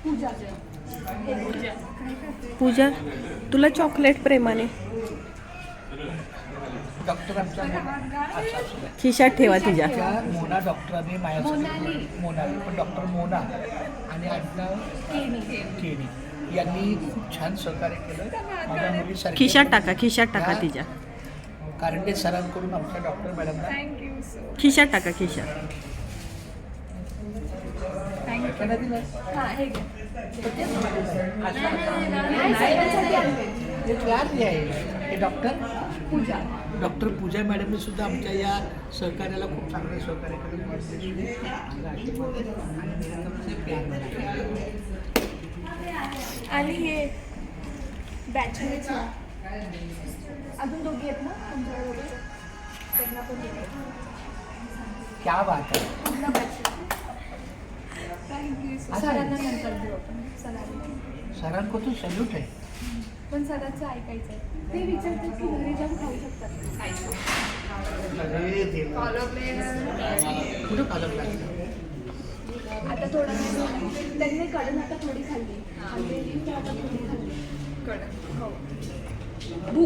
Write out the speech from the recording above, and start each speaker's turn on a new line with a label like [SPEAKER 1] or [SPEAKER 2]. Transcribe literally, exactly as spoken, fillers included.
[SPEAKER 1] पूजा
[SPEAKER 2] पूजा तुला चॉकलेट प्रेमाने
[SPEAKER 3] डॉक्टर आमच्या
[SPEAKER 2] खिशात ठेवा तिच्या.
[SPEAKER 3] मोना डॉक्टरांनी माझ्यासाठी मोनाली पण डॉक्टर मोना आणि आडनाव केणी यांनी खूप छान सहकार्य केलं माझ्या मुलीसारखी.
[SPEAKER 2] खिशात टाका खिशात टाका तिच्या.
[SPEAKER 3] कारंडे सरांकडून आमच्या डॉक्टर मॅडमला
[SPEAKER 2] खिशात टाका खिशात.
[SPEAKER 3] हे डॉक्टर पूजा डॉक्टर पूजा मॅडमने सुद्धा आमच्या या सहकार्याला खूप चांगलं सहकार्य केलं.
[SPEAKER 1] आणि हे बॅचमेट्स अजून दोघी आहेत ना तुमच्याबरोबर त्यांना पण दिले.
[SPEAKER 3] क्या बात आहे.
[SPEAKER 1] पूर्ण बॅच. थँक्यू. सरांना नंतर देऊ आपण. सरांना
[SPEAKER 3] सरांको तो सॅल्यूट आहे.
[SPEAKER 1] पण सरांचं ऐकायचं आहे. ते विचारतात की घरी जाऊन खाऊ शकतात
[SPEAKER 3] अरे देवा. कुठं पालक लागलं
[SPEAKER 1] आता थोडं त्यांनी कडन आता थोडी खाल्ली खाल्लेली तर आता थोडी खाल्ली कडन हो.